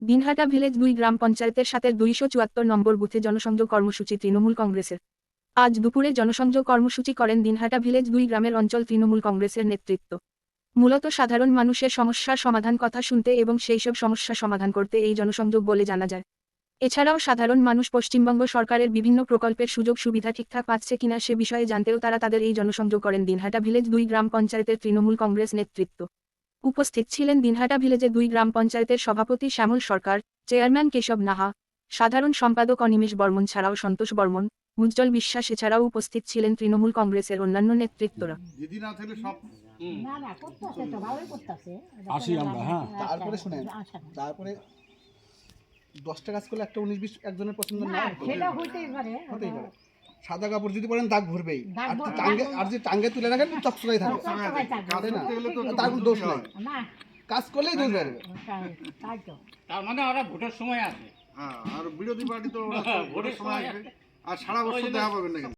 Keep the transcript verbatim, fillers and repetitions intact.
Dinhata village দুই গ্রাম পঞ্চায়েতের সাথে দুইশো চুয়াত্তর নম্বর বুথে জনসংযোগ কর্মসূচি তৃণমূল কংগ্রেসের। আজ দুপুরে জনসংযোগ কর্মসূচি করেন দিনহাটা ভিলেজ দুই গ্রামের অঞ্চল তৃণমূল কংগ্রেসের নেতৃত্ব। মূলত সাধারণ মানুষের সমস্যার সমাধান কথা শুনতে এবং সেইসব সমস্যা সমাধান করতে এই জনসংযোগ বলে জানা যায়। এছাড়াও সাধারণ মানুষ পশ্চিমবঙ্গ সরকারের বিভিন্ন প্রকল্পের সুযোগ সুবিধা ঠিকঠাক পাচ্ছে কিনা সে বিষয়ে জানতেও তারা তাদের এই জনসংযোগ করেন দিনহাটা ভিলেজ দুই গ্রাম পঞ্চায়েতের তৃণমূল কংগ্রেস নেতৃত্ব। উপস্থিত ছিলেন দিনহাটা ভিলেজের দুই গ্রাম পঞ্চায়েতের সভাপতি শ্যামল সরকার, চেয়ারম্যান কেশব নাহা, সাধারণ সম্পাদক অনিমেষ বর্মন ছাড়াও সন্তোষ বর্মন, উজ্জ্বল বিশ্বাস এছাড়াও উপস্থিত ছিলেন তৃণমূল কংগ্রেসের অন্যান্য নেতৃত্বরা। দিদি না থাকলে সব না না করতেছে তো ভালোই করতেছে। আসি আমরা, হ্যাঁ। তারপরে শুনেন, তারপরে দশটা কাজ করলে একটা উনিশ বিশ একজনের পছন্দ না না সেটা হইতেই পারে। হতেই পারে। সাদা কাপড় যদি পরেন দাগ ভরবেই, দাগ আর ভরবে, টাঙ্গে দাগ আর যে টাঙ্গে তুলে রাখেন চকচকাই থাকবে, চকচকাই থাকবে। তাই না? করতে গেলে তো তার কোনো দোষ নাই, না কাজ করলেই দোষ বেরবে। তাই- তাই তো তার মানে ওরা ভোটের সময় আসে। হ্যাঁ, আর বিরোধী পার্টি তো ওরা তো ভোটের সময় আসবে আর সারা বছর দেখা পাবেন না কিন্তু।